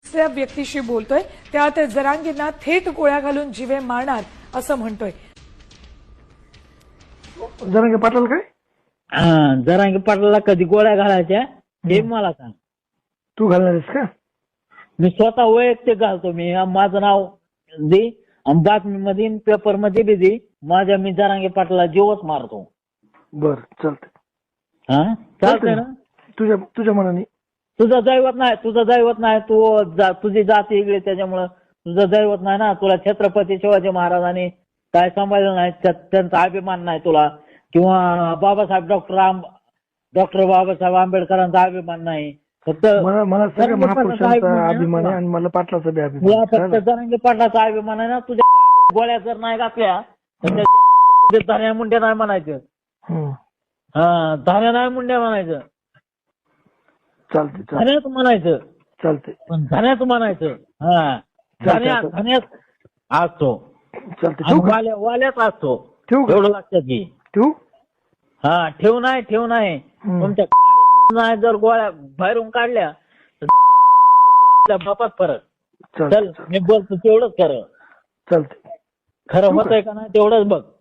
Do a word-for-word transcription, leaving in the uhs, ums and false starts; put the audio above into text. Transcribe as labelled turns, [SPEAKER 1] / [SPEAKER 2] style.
[SPEAKER 1] त्या व्यक्तीशी बोलतोय त्यात जरांगींना थेट गोळ्या घालून जीवे मारणार असं म्हणतोय.
[SPEAKER 2] जरांगे पाटील काय
[SPEAKER 3] हा, जरांगे पाटलाला कधी गोळ्या घालायच्या हे मला सांग.
[SPEAKER 2] तू घालणार आहेस का?
[SPEAKER 3] मी स्वतः वैयक्तिक घालतो. मी माझं नाव दे आणि बातमीमध्ये पेपर मध्ये बी दे. माझ्या मी जरांगे पाटलाला जीवच मारतो.
[SPEAKER 2] बर चालतंय.
[SPEAKER 3] हा चालतंय ना.
[SPEAKER 2] तुझ्या तुझ्या मनाने.
[SPEAKER 3] तुझं दैवत नाही, तुझं दैवत नाही. तू जा- तुझी जाती वेगळी त्याच्यामुळं तुझं दैवत नाही ना. तुला छत्रपती शिवाजी महाराजांनी काय सांभाळलं नाही, त्या- त्यांचा अभिमान नाही तुला. किंवा बाबासाहेब डॉक्टर आंब डॉक्टर बाबासाहेब आंबेडकरांचा अभिमान नाही. फक्त
[SPEAKER 2] मला मला सगळ्या
[SPEAKER 3] जरांगे पाटलाचा
[SPEAKER 2] महापुरुषांचा
[SPEAKER 3] आहे
[SPEAKER 2] अभिमान
[SPEAKER 3] ना
[SPEAKER 2] आहे आणि मला पाटलाचा बी
[SPEAKER 3] तुला.
[SPEAKER 2] अभिमान
[SPEAKER 3] फक्त
[SPEAKER 2] आहे.
[SPEAKER 3] जरांगे पाटलाचा अभिमान आहे ना. तुझ्या गोळ्या जर नाही घातल्या तर त्या धान्या मुंड्या नाही म्हणायचं.
[SPEAKER 2] हम्म.
[SPEAKER 3] हा, धान्या नाही मुंड्या म्हणायचं.
[SPEAKER 2] चालतंय चालतंय
[SPEAKER 3] धान्याच म्हणायचं.
[SPEAKER 2] चालतंय
[SPEAKER 3] पण धान्याच म्हणायचं. हा, धान्या
[SPEAKER 2] चालतंय.
[SPEAKER 3] धान्यात असतो
[SPEAKER 2] चालतंय.
[SPEAKER 3] आणि
[SPEAKER 2] ठेवू का?
[SPEAKER 3] वाल्या वाल्याच असतो.
[SPEAKER 2] ठेवू का?
[SPEAKER 3] एवढं लक्षात घे.
[SPEAKER 2] ठेवू?
[SPEAKER 3] हा, ठेव नाही ठेव नाही.
[SPEAKER 2] हम्म.
[SPEAKER 3] तुमच्या खाण्यात नाही जर गोळ्या बाहेरून काढल्या तर आपल्या बापात फरक.
[SPEAKER 2] चालतंय
[SPEAKER 3] चल मी बोलतो तेवढंच खरं.
[SPEAKER 2] चालतंय.
[SPEAKER 3] खरं
[SPEAKER 2] ठेवू का?
[SPEAKER 3] होतंय का नाही तेवढंच बघ.